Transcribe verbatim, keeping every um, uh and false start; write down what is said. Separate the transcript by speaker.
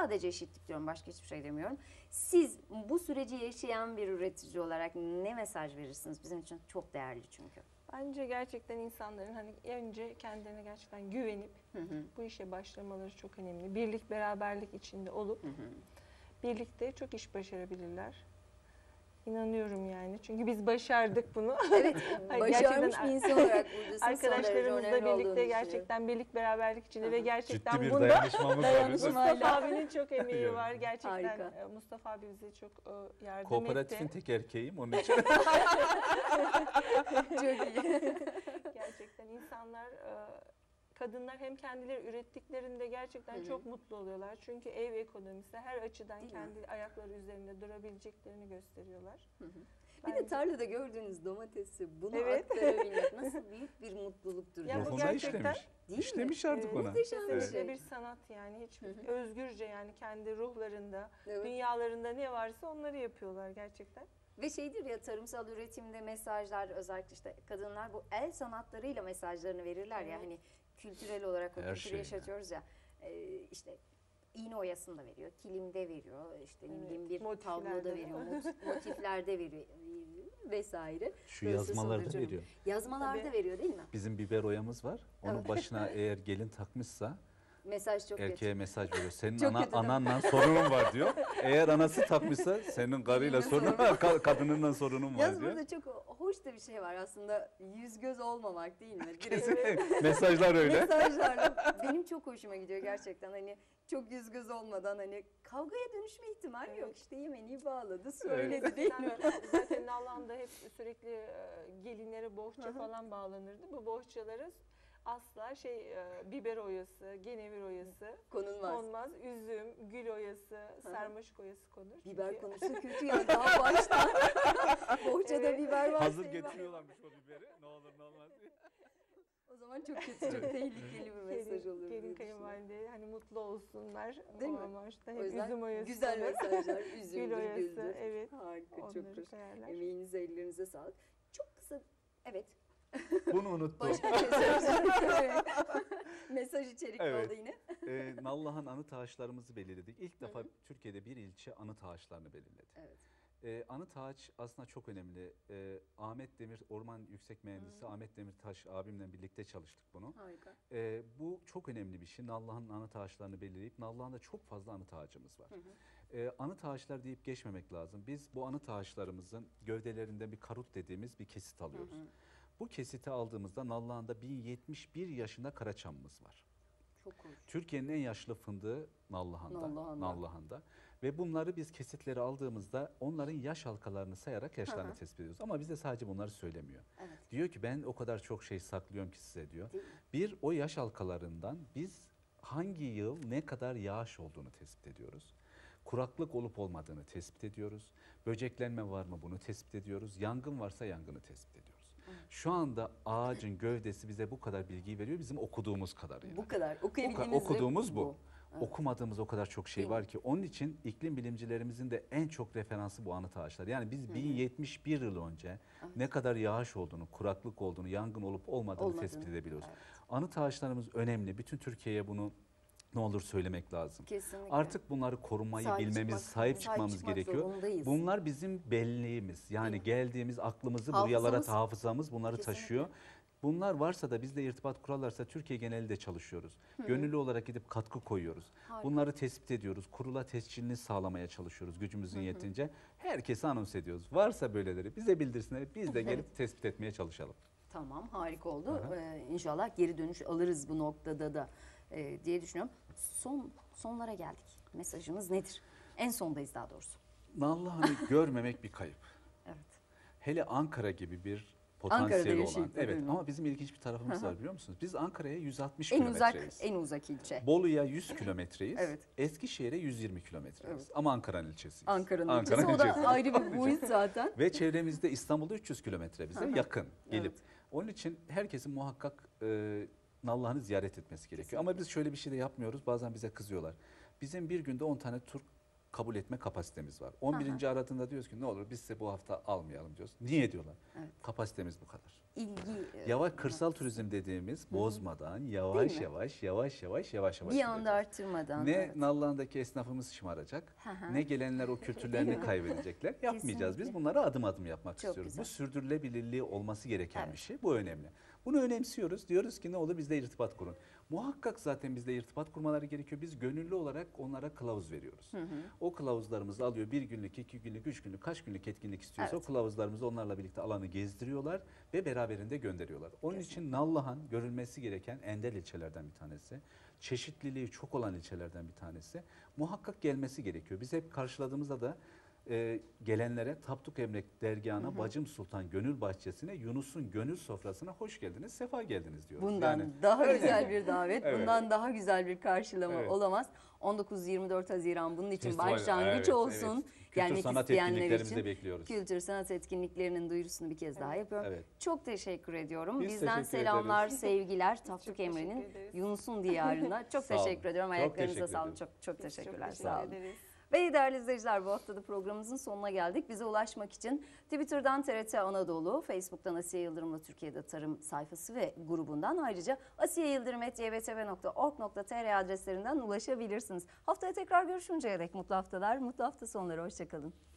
Speaker 1: Sadece eşitlik diyorum, başka hiçbir şey demiyorum. Siz bu süreci yaşayan bir üretici olarak ne mesaj verirsiniz? Bizim için çok değerli çünkü.
Speaker 2: Bence gerçekten insanların hani önce kendilerine gerçekten güvenip
Speaker 1: Hı hı.
Speaker 2: bu işe başlamaları çok önemli. Birlik, beraberlik içinde olup
Speaker 1: Hı hı.
Speaker 2: birlikte çok iş başarabilirler. İnanıyorum yani. Çünkü biz başardık bunu.
Speaker 1: Evet,
Speaker 2: Hani
Speaker 1: başarmış
Speaker 2: gerçekten
Speaker 1: bir insan olarak buradasınız.
Speaker 2: arkadaşlarımızla birlikte gerçekten birlik, beraberlik içinde ve gerçekten
Speaker 3: Ciddi bir
Speaker 2: bunda
Speaker 3: dayanışmamız var.
Speaker 2: Mustafa abinin çok emeği var.
Speaker 3: Evet.
Speaker 2: Gerçekten
Speaker 1: Harika.
Speaker 2: Mustafa abi bize çok e, yardım
Speaker 3: Kooperatifin
Speaker 2: etti.
Speaker 3: tek erkeğiyim onun için.
Speaker 1: Çok iyi.
Speaker 2: Gerçekten insanlar, e, kadınlar hem kendileri ürettiklerinde gerçekten
Speaker 1: Hı hı.
Speaker 2: çok mutlu oluyorlar. Çünkü ev ekonomisi her açıdan
Speaker 1: Değil
Speaker 2: kendi
Speaker 1: mi?
Speaker 2: ayakları üzerinde durabileceklerini gösteriyorlar.
Speaker 1: Hı hı. Bir de
Speaker 2: Bence-
Speaker 1: tarlada gördüğünüz domatesi bunu
Speaker 2: Evet.
Speaker 1: aktarabilmek nasıl büyük bir mutluluktur.
Speaker 2: Ya bu
Speaker 3: Ruhuna
Speaker 2: gerçekten-
Speaker 3: işlemiş.
Speaker 1: Değil mi?
Speaker 3: İşlemiş artık
Speaker 2: Evet,
Speaker 3: ona.
Speaker 1: muhteşem bir
Speaker 2: kesinlikle
Speaker 1: şey.
Speaker 2: bir sanat yani. Hiç
Speaker 1: Hı hı.
Speaker 2: özgürce yani kendi ruhlarında,
Speaker 1: Evet.
Speaker 2: dünyalarında ne varsa onları yapıyorlar gerçekten.
Speaker 1: Ve şeydir ya, tarımsal üretimde mesajlar, özellikle işte kadınlar bu el sanatlarıyla mesajlarını verirler ya,
Speaker 2: Evet.
Speaker 1: hani kültürel olarak o
Speaker 3: Her
Speaker 1: kültürü
Speaker 3: şey
Speaker 1: yaşatıyoruz ya. Ee, işte iğne oyasında veriyor, kilimde veriyor, işte ne
Speaker 2: Evet,
Speaker 1: bileyim bir
Speaker 2: motiflerde
Speaker 1: tabloda
Speaker 2: de.
Speaker 1: veriyor, mot- motiflerde veriyor vesaire.
Speaker 3: Şu
Speaker 1: Böylesi
Speaker 3: yazmalarda
Speaker 1: sonucunu-
Speaker 3: veriyor.
Speaker 1: Yazmalarda
Speaker 2: Tabii.
Speaker 1: veriyor değil mi?
Speaker 3: Bizim biber oyamız var. Onun
Speaker 1: Evet.
Speaker 3: başına eğer gelin takmışsa
Speaker 1: Mesaj çok
Speaker 3: erkeğe
Speaker 1: kötü.
Speaker 3: mesaj veriyor. Senin
Speaker 1: Çok
Speaker 3: ana,
Speaker 1: kötü değil mi?
Speaker 3: ananla sorunun var diyor. Eğer anası takmışsa senin karıyla
Speaker 1: Benimle
Speaker 3: sorunun var, ka- kadınınla sorunun var
Speaker 1: Yalnız
Speaker 3: diyor.
Speaker 1: burada çok hoş da bir şey var aslında, yüz göz olmamak değil mi? Direkt
Speaker 3: Mesajlar öyle.
Speaker 1: mesajlarla benim çok hoşuma gidiyor gerçekten, hani çok yüz göz olmadan hani kavgaya dönüşme ihtimali
Speaker 2: Evet.
Speaker 1: yok, işte Yemeni'yi bağladı söyledi
Speaker 3: Evet.
Speaker 1: değil mi?
Speaker 2: Zaten, zaten Nallıhan'da hep sürekli e, gelinlere bohça
Speaker 1: Hı hı.
Speaker 2: falan bağlanırdı. Bu bohçaları asla şey e, biber oyası, genevir oyası
Speaker 1: Konulmaz.
Speaker 2: konmaz. Üzüm, gül oyası, sarmaşık oyası konur.
Speaker 1: Biber
Speaker 2: Çünkü-
Speaker 1: konusu kötü ya, daha baştan bohçada
Speaker 2: Evet.
Speaker 1: biber var.
Speaker 3: Hazır
Speaker 1: şey var.
Speaker 3: getiriyorlarmış o biberi. Ne olur ne olmaz diye.
Speaker 1: O zaman çok kötü, çok tehlikeli bir mesaj
Speaker 2: gelin,
Speaker 1: olur. diye
Speaker 2: gelin
Speaker 1: düşünüyorum.
Speaker 2: kayınvalide hani mutlu olsunlar.
Speaker 1: Değil
Speaker 2: o
Speaker 1: mi?
Speaker 2: amaçla
Speaker 1: O
Speaker 2: hep
Speaker 1: yüzden
Speaker 2: üzüm oyası
Speaker 1: güzel
Speaker 2: konur.
Speaker 1: mesajlar, üzümdür,
Speaker 2: Gül oyası,
Speaker 1: güldür.
Speaker 2: evet.
Speaker 1: Harika, çok
Speaker 2: Onları
Speaker 1: hoş.
Speaker 2: koyarlar.
Speaker 1: Emeğinize, ellerinize sağlık. Çok kısa, evet.
Speaker 3: Bunu unuttum.
Speaker 1: Başka mesaj, mesaj içerikli
Speaker 3: Evet.
Speaker 1: oldu yine.
Speaker 3: Ee, Nallıhan anıt ağaçlarımızı belirledik. İlk defa Türkiye'de bir ilçe anıt ağaçlarını belirledi.
Speaker 1: Evet.
Speaker 3: Ee, anıt ağaç aslında çok önemli. Ee, Ahmet Demir, Orman Yüksek Mühendisi Ahmet Demirtaş abimle birlikte çalıştık bunu.
Speaker 1: Harika.
Speaker 3: Ee, bu çok önemli bir şey. Nallıhan'ın anıt ağaçlarını belirleyip, Nallıhan'da çok fazla anıt ağacımız var.
Speaker 1: Hı hı.
Speaker 3: Ee, anıt ağaçlar deyip geçmemek lazım. Biz bu anıt ağaçlarımızın gövdelerinden bir karut dediğimiz bir kesit alıyoruz.
Speaker 1: Hı hı.
Speaker 3: Bu kesiti aldığımızda Nallıhan'da bin yetmiş bir yaşında karaçamımız var.
Speaker 1: Çok hoş.
Speaker 3: Türkiye'nin en yaşlı fındığı Nallıhan'da.
Speaker 1: Nallıhan'da.
Speaker 3: Nallıhan'da. Ve bunları biz kesitleri aldığımızda onların yaş halkalarını sayarak yaşlarını
Speaker 1: Hı hı.
Speaker 3: tespit ediyoruz. Ama bize sadece bunları söylemiyor.
Speaker 1: Evet.
Speaker 3: Diyor ki ben o kadar çok şey saklıyorum ki size diyor.
Speaker 1: Değil mi?
Speaker 3: Bir, o yaş halkalarından biz hangi yıl ne kadar yağış olduğunu tespit ediyoruz. Kuraklık olup olmadığını tespit ediyoruz. Böceklenme var mı bunu tespit ediyoruz. Yangın varsa yangını tespit ediyoruz. Şu anda ağacın gövdesi bize bu kadar bilgiyi veriyor, bizim okuduğumuz kadarıyla.
Speaker 1: Bu kadar.
Speaker 3: Bu
Speaker 1: Okuyabildiğimiz
Speaker 3: ka- okuduğumuz bu.
Speaker 1: Evet.
Speaker 3: Okumadığımız o kadar çok şey
Speaker 1: Değil mi?
Speaker 3: var ki. Onun için iklim bilimcilerimizin de en çok referansı bu anıt ağaçlar. Yani biz bin yetmiş bir yıl önce ne kadar yağış olduğunu, kuraklık olduğunu, yangın olup olmadığını,
Speaker 1: Olmadığını,
Speaker 3: tespit edebiliyoruz.
Speaker 1: evet.
Speaker 3: Anıt ağaçlarımız önemli. Bütün Türkiye'ye bunu ne olur söylemek lazım.
Speaker 1: Kesinlikle.
Speaker 3: Artık bunları korumayı
Speaker 1: Sahip
Speaker 3: bilmemiz,
Speaker 1: çıkmak-
Speaker 3: sahip
Speaker 1: sahip
Speaker 3: çıkmamız
Speaker 1: çıkmak
Speaker 3: gerekiyor.
Speaker 1: zorundayız.
Speaker 3: Bunlar bizim belleğimiz. Yani
Speaker 1: Değil mi?
Speaker 3: geldiğimiz aklımızı
Speaker 1: Hafızamız.
Speaker 3: buralara, hafızamız bunları
Speaker 1: Kesinlikle.
Speaker 3: taşıyor. Bunlar varsa da bizle irtibat kurarlarsa Türkiye geneli de çalışıyoruz. Gönüllü olarak gidip katkı koyuyoruz.
Speaker 1: Harika.
Speaker 3: Bunları tespit ediyoruz. Kurula tescilini sağlamaya çalışıyoruz gücümüzün yetince. Herkese anons ediyoruz. Varsa böyleleri bize bildirsinler. Biz de gelip tespit etmeye çalışalım.
Speaker 1: Tamam, harika oldu. Ee, İnşallah geri dönüş alırız bu noktada da e, diye düşünüyorum. Son sonlara geldik. Mesajımız nedir? En sondayız daha doğrusu.
Speaker 3: Nallıhan'ı görmemek bir kayıp.
Speaker 1: Evet.
Speaker 3: Hele Ankara gibi bir
Speaker 1: Ankara'da
Speaker 3: potansiyeli olan.
Speaker 1: yaşayıp da,
Speaker 3: Evet,
Speaker 1: değil mi?
Speaker 3: ama bizim ilginç bir tarafımız var biliyor musunuz? Biz Ankara'ya yüz altmış
Speaker 1: En uzak
Speaker 3: kilometreyiz.
Speaker 1: en uzak ilçe.
Speaker 3: Bolu'ya yüz kilometreyiz.
Speaker 1: Evet.
Speaker 3: Eskişehir'e yüz yirmi kilometreyiz.
Speaker 1: Evet.
Speaker 3: Ama Ankara'nın ilçesiyiz.
Speaker 1: Ankara'nın ilçesi.
Speaker 3: Ankara'nın
Speaker 1: O da
Speaker 3: ilçesi.
Speaker 1: ayrı bir boyut zaten.
Speaker 3: Ve çevremizde İstanbul'da üç yüz kilometre bize yakın gelip.
Speaker 1: Evet.
Speaker 3: Onun için herkesin muhakkak e, Nallıhan'ı ziyaret etmesi gerekiyor. Ama biz şöyle bir şey de yapmıyoruz. Bazen bize kızıyorlar. Bizim bir günde on tane tur kabul etme kapasitemiz var. on birinci aradığında diyoruz ki ne olur biz size bu hafta almayalım diyoruz. Niye diyorlar?
Speaker 1: Evet.
Speaker 3: Kapasitemiz bu kadar.
Speaker 1: İlgi. e,
Speaker 3: Yavaş kırsal turizm dediğimiz bozmadan yavaş
Speaker 1: Değil mi?
Speaker 3: yavaş yavaş yavaş yavaş yavaş
Speaker 1: bir anda
Speaker 3: gideceğiz.
Speaker 1: arttırmadan.
Speaker 3: Ne
Speaker 1: evet.
Speaker 3: Nallıhan'daki esnafımız şımaracak,
Speaker 1: Hı hı.
Speaker 3: ne gelenler o kültürlerini kaybedecekler. Yapmayacağız. Biz
Speaker 1: Kesinlikle.
Speaker 3: bunları adım adım yapmak
Speaker 1: Çok
Speaker 3: istiyoruz.
Speaker 1: güzel.
Speaker 3: Bu sürdürülebilirliği olması gereken
Speaker 1: Evet.
Speaker 3: bir şey. Bu önemli. Bunu önemsiyoruz. Diyoruz ki ne olur bizle irtibat kurun. Muhakkak zaten bizle irtibat kurmaları gerekiyor. Biz gönüllü olarak onlara kılavuz veriyoruz.
Speaker 1: Hı hı.
Speaker 3: O kılavuzlarımızı alıyor. Bir günlük, iki günlük, üç günlük, kaç günlük etkinlik istiyorsa
Speaker 1: Evet.
Speaker 3: o kılavuzlarımızı onlarla birlikte alanı gezdiriyorlar ve beraberinde gönderiyorlar. Onun için Nallıhan görülmesi gereken ender ilçelerden bir tanesi. Çeşitliliği çok olan ilçelerden bir tanesi. Muhakkak gelmesi gerekiyor. Biz hep karşıladığımızda da e, gelenlere Tapduk Emrek Dergahı'na, hı hı. Bacım Sultan Gönül Bahçesi'ne, Yunus'un gönül sofrasına hoş geldiniz, sefa geldiniz diyoruz.
Speaker 1: Bundan
Speaker 3: Yani,
Speaker 1: daha
Speaker 3: öyle.
Speaker 1: güzel bir davet,
Speaker 3: Evet.
Speaker 1: bundan daha güzel bir karşılama
Speaker 3: Evet.
Speaker 1: olamaz. on dokuz yirmi dört Haziran bunun için
Speaker 3: Festival,
Speaker 1: başlangıç
Speaker 3: evet,
Speaker 1: olsun.
Speaker 3: evet. Kültür
Speaker 1: Gelmek
Speaker 3: sanat
Speaker 1: isteyenler
Speaker 3: etkinliklerimizi de
Speaker 1: için
Speaker 3: bekliyoruz.
Speaker 1: kültür sanat etkinliklerinin duyurusunu bir kez daha yapıyorum.
Speaker 3: Evet.
Speaker 1: Çok teşekkür ediyorum.
Speaker 3: Biz
Speaker 1: Bizden
Speaker 3: teşekkür
Speaker 1: selamlar,
Speaker 3: ederiz.
Speaker 1: sevgiler Tapduk
Speaker 2: çok
Speaker 1: Emre'nin
Speaker 2: teşekkür ederiz.
Speaker 1: Yunus'un diyarına. Çok
Speaker 3: Sağ olun.
Speaker 1: teşekkür ediyorum.
Speaker 3: Çok
Speaker 1: Ayaklarınıza
Speaker 3: teşekkür
Speaker 1: sağlık.
Speaker 3: ediyorum.
Speaker 1: Çok çok
Speaker 2: Biz çok
Speaker 1: teşekkürler.
Speaker 2: teşekkür
Speaker 1: Sağ olun.
Speaker 2: ederiz.
Speaker 1: Ve değerli izleyiciler, bu haftada programımızın sonuna geldik. Bize ulaşmak için Twitter'dan T R T Anadolu, Facebook'tan Asiye Yıldırım'la Türkiye'de Tarım sayfası ve grubundan, ayrıca asiyeyıldırım at y b t v nokta org nokta t r adreslerinden ulaşabilirsiniz. Haftaya tekrar görüşünceye dek mutlu haftalar, mutlu hafta sonları. Hoşçakalın.